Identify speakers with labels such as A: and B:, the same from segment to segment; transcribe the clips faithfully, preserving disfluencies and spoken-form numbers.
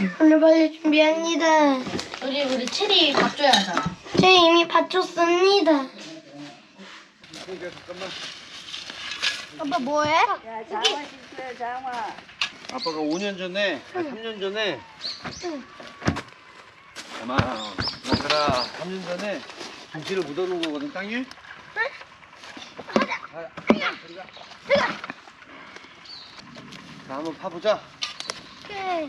A: 오늘 빨리 준비합니다.
B: 우리 우리 체리 밥 줘야 하잖아.
A: 제 이미 받쳤습니다.
C: 잠깐만.
A: 아빠 뭐해?
D: 야, 장화 신고해, 장화.
C: 아빠가 오 년 전에, 아니 삼 년 전에, 아마 얘들아 삼 년 전에 김치를 묻어놓은 거거든 땅에. 응? 가자. 들어가. 들어가. 자, 한번 파보자.
A: 오케이.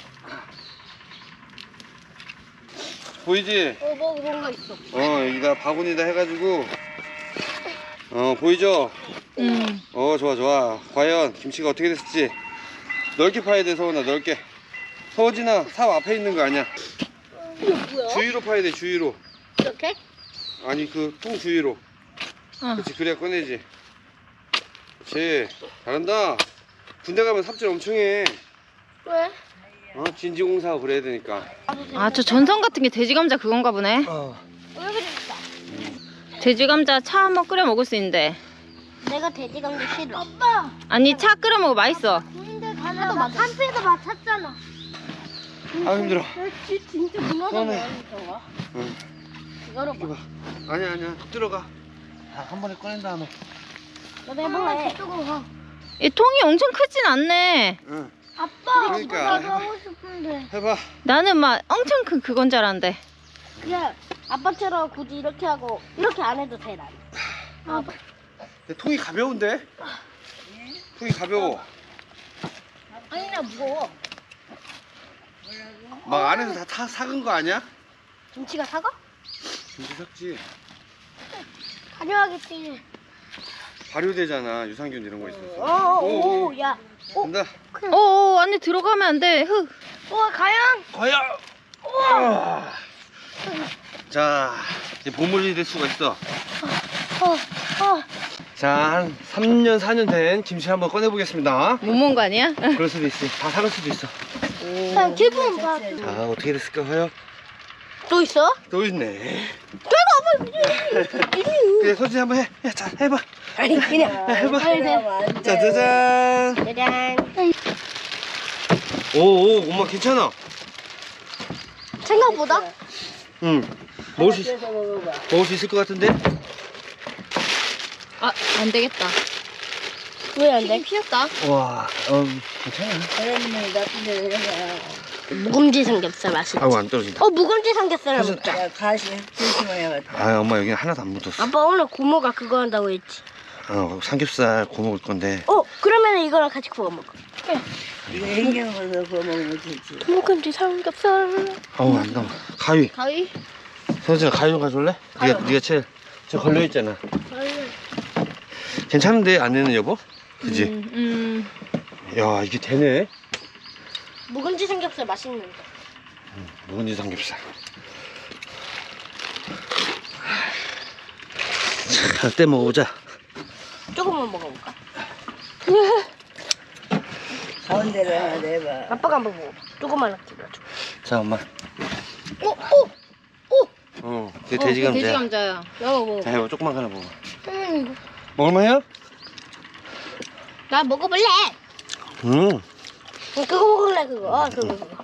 C: 보이지?
A: 어, 뭐 뭔가 있어.
C: 어, 여기다 바구니다 해가지고, 어, 보이죠?
B: 응.
C: 어, 좋아, 좋아. 과연 김치가 어떻게 됐을지. 넓게 파야 돼, 서원아, 넓게. 서원진아, 삽 앞에 있는 거 아니야.
A: 이게 뭐야?
C: 주위로 파야 돼, 주위로.
A: 이렇게?
C: 아니, 그 통 주위로.
B: 어.
C: 그렇지, 그래야 꺼내지. 그렇지, 잘한다. 군대 가면 삽질 엄청 해.
A: 왜?
C: 어, 진지공사하고 그래야 되니까.
B: 아, 저 전선 같은 게 돼지 감자 그건가 보네.
C: 어.
A: 여기 있다.
B: 돼지 감자 차 한번 끓여 먹을 수 있는데.
A: 내가 돼지 감자 싫어. 아빠.
B: 아니, 차 끓여 먹어 맛있어.
A: 근데 가서 막 한패도 맞췄잖아.
C: 아, 힘들어.
A: 진짜
C: 꺼내.
A: 무너져.
C: 응.
A: 이거로
C: 이거 봐. 아니야, 아니야. 들어가. 자, 한 번에 꺼낸 다음에.
A: 너도 해볼래? 저쪽으로 가.
B: 이 통이 엄청 크진 않네.
C: 응.
A: 아빠.
C: 그러니까,
A: 나도
C: 해봐.
A: 하고 싶은데.
C: 해봐.
B: 나는 막 엄청 큰 그건 줄 알았는데.
A: 그냥 아빠처럼 굳이 이렇게 하고 이렇게 안 해도 돼 난. 아,
C: 내 통이 가벼운데? 통이 가벼워.
A: 아니 나 무거워.
C: 막 안에서 다 타, 삭은 거 아니야?
A: 김치가 사과?
C: 김치 삭지.
A: 가져가겠지.
C: 발효되잖아. 유산균 이런 거 있어서.
A: 어어오 야. 오.
C: 간다.
B: 어, 안에 들어가면 안 돼. 흙.
A: 우와 과연.
C: 과연. 우와. 자, 이제 보물이 될 수가 있어.
A: 어 어.
C: 자, 한 삼 년, 사 년 된 김치 한번 꺼내보겠습니다.
B: 못 먹은 거 아니야?
C: 그럴 수도 있어. 다 삭을 수도 있어.
A: 난 기분 봐.
C: 자, 어떻게 됐을까, 과연?
A: 또 있어?
C: 또 있네.
A: 내가 아빠
C: 그래, 서진 한번 해. 야, 자, 해봐.
A: 아니 그냥.
C: 야, 해봐.
A: 아니 그냥.
C: 짜자잔.
A: 짜잔.
C: 오, 오, 엄마 괜찮아.
A: 생각보다?
C: 응. 먹을 수, 있,
D: 그래서 먹어봐.
C: 먹을 수 있을 것 같은데?
B: 아, 안 되겠다.
A: 왜 안 돼?
B: 피었다.
C: 와, 어, 괜찮아.
D: 그러면 나쁜 데로 해봐.
A: 묵은지 삼겹살 맛있지?
C: 아우, 안 떨어진다.
A: 어 묵은지 삼겹살
C: 사실-
A: 먹자.
D: 야, 가시 조심해야겠다.
C: 아, 엄마 여기 하나도 안 묻었어.
A: 아빠 오늘 고모가 그거 한다고 했지.
C: 어, 삼겹살 구워 먹을 건데.
A: 어 그러면 이거랑 같이 구워 먹어.
D: 이거 hen경으로 구워 먹으면 되지.
A: 묵은지 삼겹살.
C: 아우, 안 나와. 가위.
B: 가위?
C: 서진아, 가위 좀 가져올래? 네가, 네가 제일 저 걸려있잖아. 괜찮은데, 안에는 여보? 그지?
B: 음, 음.
C: 야, 이게 되네.
A: 묵은지 삼겹살 맛있는데.
C: 묵은지 삼겹살. 자, 때 먹어보자.
A: 조금만 먹어볼까?
D: 가운데로 하나 내봐.
A: 아빠가 한번 먹어. 조금만 넣어줘.
C: 자, 엄마.
A: 오 오. 오.
C: 어, 그게
B: 어,
C: 돼지
B: 그게
C: 감자야.
B: 돼지 감자야.
A: 나도 먹어.
C: 자, 해봐. 조금만 하나 먹어.
A: 음.
C: 먹을만해요?
A: 나 먹어볼래.
C: 음.
A: 그거 먹을래 그거. 아 그거 그거.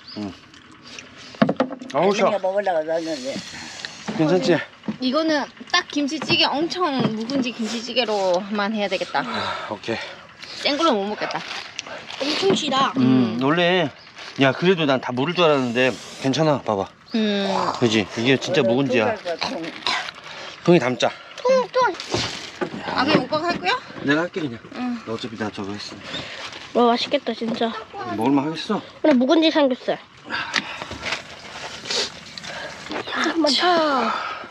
C: 아우,
D: 우리가
C: 샤.
D: 먹으려고 놨는데.
C: 괜찮지?
B: 이거는 딱 김치찌개 엄청 묵은지 김치찌개로만 해야 되겠다.
C: 아, 오케이.
B: 센 걸로 못 먹겠다.
A: 엄청 시다.
C: 음, 원래, 야, 그래도 난 다 모를 줄 알았는데, 괜찮아. 봐봐.
B: 음.
C: 그지? 이게 진짜 묵은지야.
D: 통
C: 통이 담자.
A: 통통.
B: 아, 그냥 오빠가 할 거야?
C: 내가 할게, 그냥.
B: 응.
C: 너 어차피 나 저거 했으니.
A: 와 맛있겠다 진짜.
C: 먹을만 하겠어.
A: 근데 묵은지 삼겹살. 잠깐만. 차.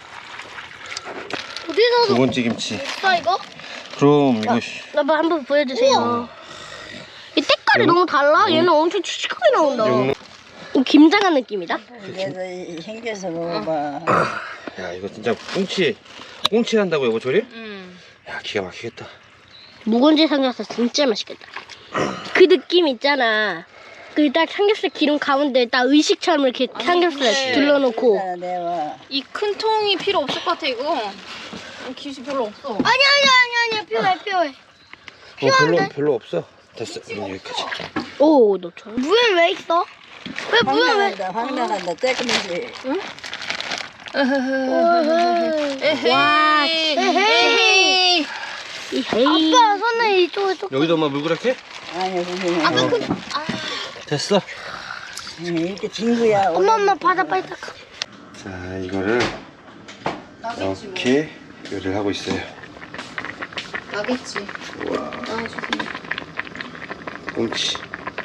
A: 어디서
C: 묵은지 김치.
A: 써 이거?
C: 그럼, 이거, 씨.
A: 아빠 한번 보여주세요. 이 색깔이 너무 달라. 얘는 엄청 칙칙하게 나온다.
C: 영-
A: 이 김장한 느낌이다.
D: 그래서 hen겨서 먹어봐.
C: 야, 이거 진짜 꽁치, 꽁치 한다고 여보, 저리?
B: 음.
C: 야, 기가 막히겠다.
A: 묵은지 삼겹살 진짜 맛있겠다. 그 느낌 있잖아. 그 딱 삼겹살 기름 가운데 딱 의식처럼 이렇게
B: 아니,
A: 삼겹살
B: 근데-
A: 둘러놓고.
D: 하나 내봐.
B: 이 큰 통이 필요 없을 것 같아, 이거. 김치 별로 없어.
A: 아니 아니 아니 아니 필요해 필요해.
C: 어, 별로, 별로 없어. 됐어. 그럼 여기까지.
A: 오, 너 저. 물에 왜 있어? 왜
D: 황
A: 뭐야 왜?
D: 나간다 황 나간다 떼끔이지.
A: 와,
B: 에헤이.
A: 에헤이. 아빠 손에 이쪽에 쪽.
C: 여기도 엄마 물그랗게?
D: 아니 무슨
B: 아까 그
C: 됐어.
D: 이렇게 징그야.
A: 엄마 엄마 바다 빨리 닦아.
C: 자, 이거를
B: 나겠지 뭐.
C: 이렇게 요리를 하고 있어요.
B: 나겠지.
C: 우와,
B: 나와주세요.
C: 꽁치.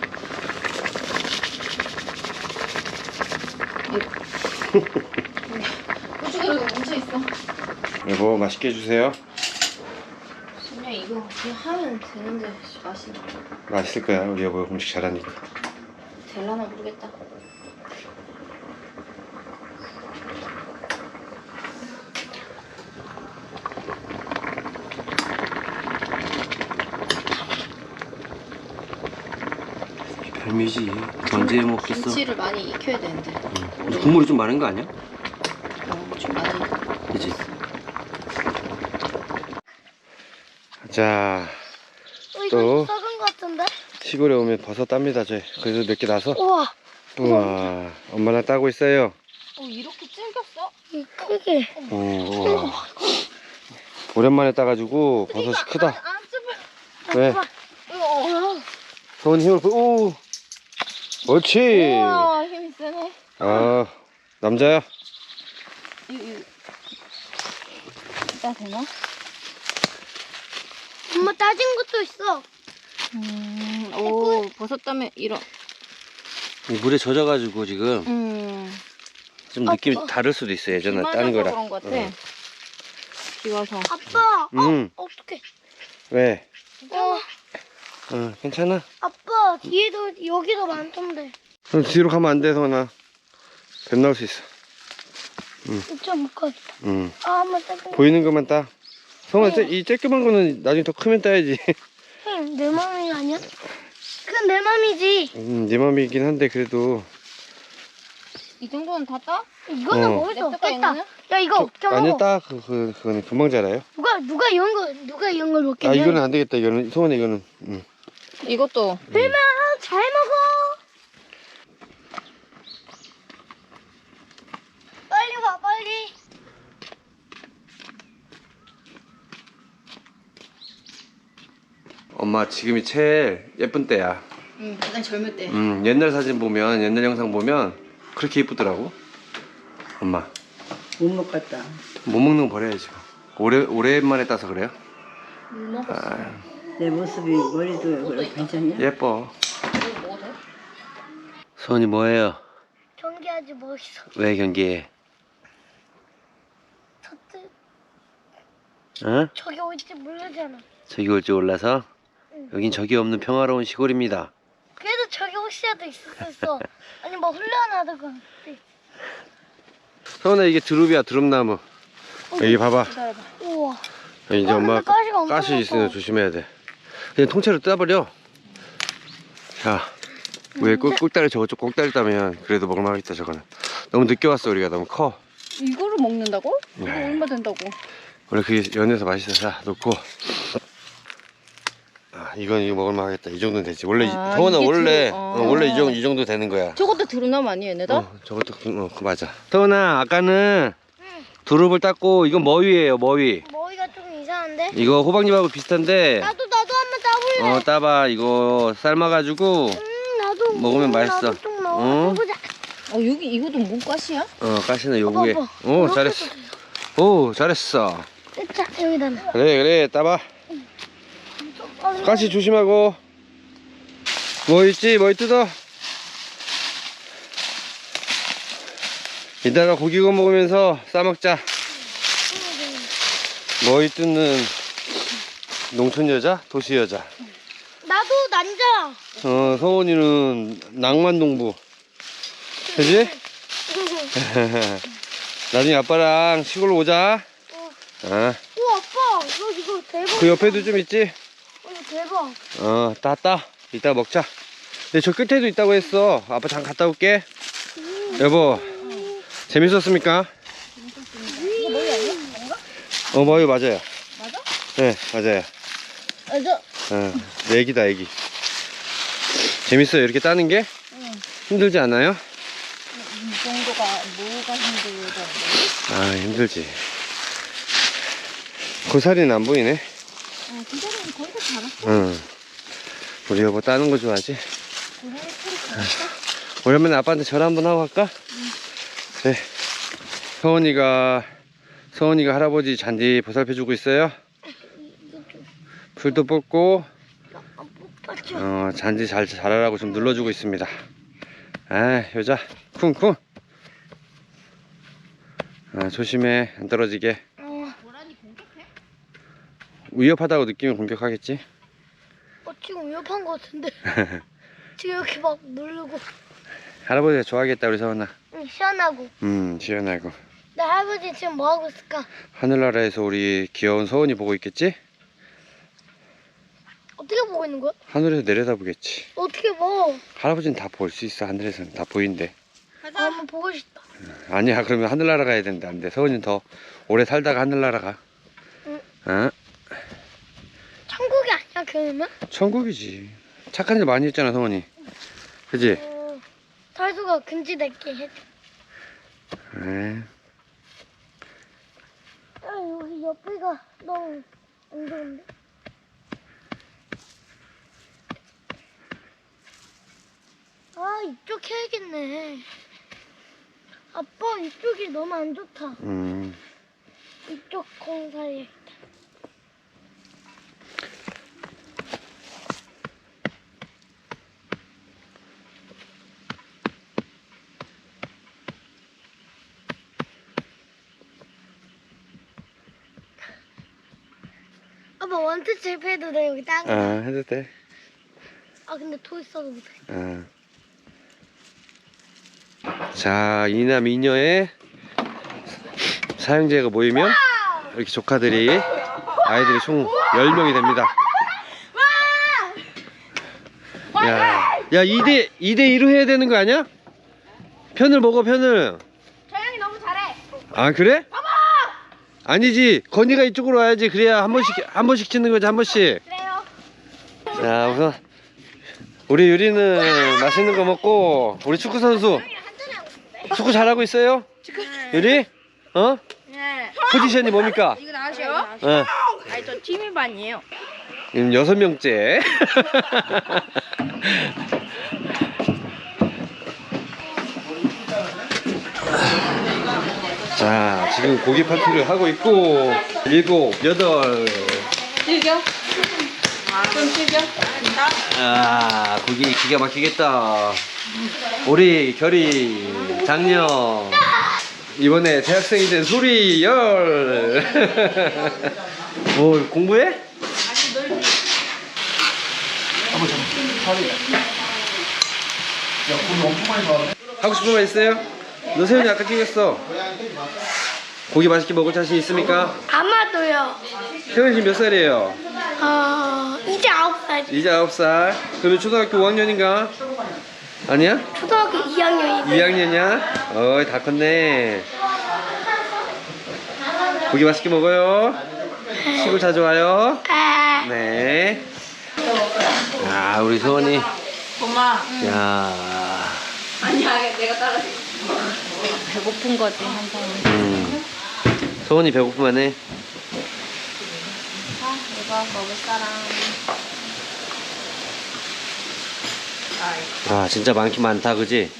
B: 고추기름 뭉쳐 있어.
C: 여보, 맛있게 해주세요.
B: 그냥 이거 그냥 하면 되는데 맛이
C: 맛있을 거야, 우리 여보 음식 잘하니까.
B: 될라나 모르겠다.
C: 별미지. 언제 먹겠어?
B: 김치를 많이 익혀야 되는데.
C: 근데 국물이 좀 많은 거 아니야?
B: 어, 좀 많이.
C: 그지? 자,
A: 어, 이거
C: 또?
A: 썩은 거 같은데?
C: 시골에 오면 버섯 땁니다, 저희. 그래서 몇 개 나서.
A: 우와,
C: 우와, 엄마랑 따고 있어요.
B: 어, 이렇게 찔겼어?
A: 이 크게.
C: 어, 우와. 오랜만에 따가지고 버섯이 크다.
B: 안 찝어.
C: 왜?
B: 우와.
C: 서훈이 힘을 보, 오! 옳지!
B: 우와, 힘이 세네.
C: 아, 남자야?
B: 이거, 이거. 이따 되나?
A: 엄마 따진 것도 있어.
B: 음, 오, 버섯 때문에 이런.
C: 이 물에 젖어가지고 지금
B: 음.
C: 좀 느낌이
A: 아빠.
C: 다를 수도 있어, 예전에
B: 비
C: 따는
B: 맞아서
C: 거랑.
B: 그런 것 같아.
C: 어.
B: 비 와서.
A: 아빠,
C: 음.
A: 어, 어떡해.
C: 왜?
A: 어,
C: 어, 괜찮아?
A: 아빠, 뒤에도, 여기도 많던데.
C: 그럼 뒤로 가면 안 돼, 성원아. 뱀 나올 수 있어.
A: 진짜 못 가겠다.
C: 응.
A: 아, 한번 따진 거.
C: 보이는 것만 따. 성원아, 쟤- 이 쬐끄만 거는 나중에 더 크면 따야지.
A: 응, 내 맘이 아니야? 그건 내 맘이지.
C: 음, 네 맘이긴 한데, 그래도.
B: 이 정도는 다 따?
A: 이거는
C: 어.
A: 먹을 수
B: 냅둬,
A: 없겠다.
B: 이거는?
A: 야, 이거 어떻게 먹어?
C: 아니, 따. 그, 그, 그거는 금방 자라요.
A: 누가, 누가 이런 거, 누가 이런 걸 먹겠냐?
C: 아, 이거는 안 되겠다, 이거는. 성원아, 이거는. 응.
B: 이것도.
A: 내맘 잘 먹어. 빨리 와, 빨리.
C: 엄마, 지금이 제일 예쁜 때야.
B: 응, 가장 젊을 때.
C: 음, 옛날 사진 보면, 옛날 영상 보면, 그렇게 예쁘더라고. 엄마.
D: 못 먹겠다.
C: 못 먹는 거 버려야지. 오래, 오랜만에 따서 그래요? 아,
D: 내 모습이 머리도 그래 괜찮냐?
C: 예뻐.
B: 이거 먹어도 돼?
C: 소은이 뭐해요?
A: 경기하지 멋있어.
C: 왜 경기해?
A: 저때
C: 어?
A: 저기 올지 모르잖아.
C: 저기 올 줄 몰라서?
A: 응.
C: 여긴 적이 없는 평화로운 시골입니다.
A: 그래도 저기 혹시라도 있었어. 아니 뭐 훈련하다가.
C: 서은아, 이게 두릅이야, 두릅나무. 여기 봐봐.
B: 기다려봐.
A: 우와.
C: 여기 이제
A: 아,
C: 엄마
A: 근데 가시가 엄청
C: 가시 있으니까
A: 많다.
C: 조심해야 돼. 그냥 통째로 따버려. 자, 왜 꿀, 꿀다리 저거 좀 꼭다리 따면 그래도 먹을만하겠다, 저거는. 너무 늦게 왔어, 우리가. 너무 커.
B: 이거를 먹는다고? 이거
C: 네.
B: 얼마 된다고?
C: 원래 그게 연해서 맛있어. 자, 놓고. 아, 이건 이거 먹을만하겠다. 이 정도는 되지. 원래,
B: 아,
C: 서원아,
B: 이게
C: 원래,
B: 두-
C: 어,
B: 어.
C: 원래 이 정도, 이 정도 되는 거야.
B: 저것도 두루나무 아니에요, 얘네다?
C: 어, 저것도, 그, 어, 그 맞아. 서원아, 아까는 두릅을 땄고, 이건 머위예요, 머위.
A: 머리가 좀 이상한데?
C: 이거 호박잎하고 비슷한데,
A: 나도 나도 한번 따볼래.
C: 어, 따봐. 이거 삶아가지고,
A: 음 나도.
C: 먹으면
A: 음,
C: 맛있어.
A: 나도 좀
C: 어?
A: 먹어보자.
B: 어, 여기 이것도 몸가시야?
C: 어, 가시는 요구에.
A: 봐봐.
C: 오, 잘했어. 오, 잘했어.
A: 자 여기다 놔.
C: 그래, 그래, 따봐. 가시 조심하고. 뭐 있지? 뭐 뜯어? 이따가 고기 구워 먹으면서 싸먹자. 뭐 뜯는 농촌 여자? 도시 여자.
A: 나도 남자.
C: 어, 성원이는 낭만 농부. 그지? 나중에 아빠랑 시골로 오자. 아,
A: 오 아빠 이거 이거 대박.
C: 그 옆에도 좀 있지?
A: 어, 이거 대박.
C: 어, 따따. 이따 먹자. 근데 저 끝에도 있다고 했어. 아빠 잠깐 갔다 올게. 여보, 재밌었습니까?
B: 이거 머리 아니야? 뭔가?
C: 어, 뭐요, 맞아요.
B: 맞아?
C: 네, 맞아요.
B: 아, 저,
C: 어, 내 애기다, 애기. 재밌어요, 이렇게 따는 게? 힘들지 않아요?
B: 이 정도가 뭐가 힘들던데?
C: 아, 힘들지. 고사리는 안 보이네.
B: 어, 기다리면 거의 다 자랐어.
C: 응. 우리 여보 따는 거 좋아하지?
B: 고사리 털이 자랐어.
C: 오랜만에 아빠한테 전화 한번 하고 갈까?
B: 응.
C: 그래. 서원이가 서원이가 할아버지 잔디 보살펴주고 있어요. 풀도 뽑고 어, 잔디 잘 자라라고 좀 눌러주고 있습니다. 아, 여자 쿵쿵. 아, 조심해, 안 떨어지게.
B: 고라니 공격해?
C: 위협하다고 느끼면 공격하겠지.
A: 어, 지금 위협한 것 같은데. 지금 이렇게 막 누르고.
C: 할아버지가 좋아하겠다 우리 서원아.
A: 응, 시원하고.
C: 음, 시원하고.
A: 나 할아버지 지금 뭐 하고 있을까?
C: 하늘나라에서 우리 귀여운 서원이 보고 있겠지?
A: 어떻게 보고 있는 거야?
C: 하늘에서 내려다보겠지.
A: 어떻게 봐?
C: 할아버지는 다 볼 수 있어. 하늘에서는 다 보인대.
A: 아, 한번 보고 싶다.
C: 아니야, 그러면 하늘나라 가야 되는데 안 돼. 서원이는 더 오래 살다가 하늘나라 가.
A: 응.
C: 어?
A: 천국이 아니야 그러면?
C: 천국이지. 착한 일 많이 했잖아, 서원이. 그지?
A: 어, 탈수가 금지됐게 해줘.
C: 에.
A: 아, 여기 옆에가 너무 안 좋은데? 아, 이쪽 해야겠네. 아빠, 이쪽이 너무 안 좋다.
C: 음.
A: 이쪽 공사에. 아빠, 원투 칠패도 돼, 여기 땅.
C: 아, 해도 돼.
A: 아, 근데 토 있어도 못해.
C: 아. 자, 이남 이녀의 사형제가 모이면 이렇게 조카들이 아이들이 총 열 명이 됩니다. 야, 야, 이 대 이 대 이로 해야 되는 거 아니야? 편을 먹어, 편을.
B: 저형이 너무 잘해.
C: 아, 그래? 아니지. 건이가 이쪽으로 와야지. 그래야 한 번씩 한 번씩 치는 거지, 한 번씩.
B: 그래요.
C: 자, 우선 우리 유리는 맛있는 거 먹고, 우리 축구 선수 축구 잘하고 있어요? 유리? 어?
B: 네.
C: 포지션이 뭡니까?
B: 이거 나으세요?
C: 어.
B: 아니 저 팀일반이에요.
C: 지금 여섯 명째. 자, 지금 고기 파티를 하고 있고, 일곱, 여덟.
B: 즐겨. 좀 즐겨.
C: 아, 고기 기가 막히겠다. 우리 결이 장녀 이번에 대학생이 된 소리 열. 뭐 공부해? 하고 싶은 말 있어요? 너 세훈이 아까 찍었어. 고기 맛있게 먹을 자신 있습니까?
A: 아마도요.
C: 세훈이 지금 몇 살이에요?
A: 어, 이제 아홉 살.
C: 이제 아홉 살. 그러면 초등학교 오 학년인가? 아니야?
A: 초등학교 이 학년이.
C: 이 학년이야? 어이, 다 컸네. 고기 맛있게 먹어요. 시골 자주 와요.
A: 아,
C: 네. 아, 우리 소원이.
B: 엄마.
C: 야.
B: 아니야 내가 따라해. 배고픈 거지 항상.
C: 음. 소원이 배고프면 해.
B: 아 이거 먹을 사람.
C: 아, 진짜 많긴 많다, 그지?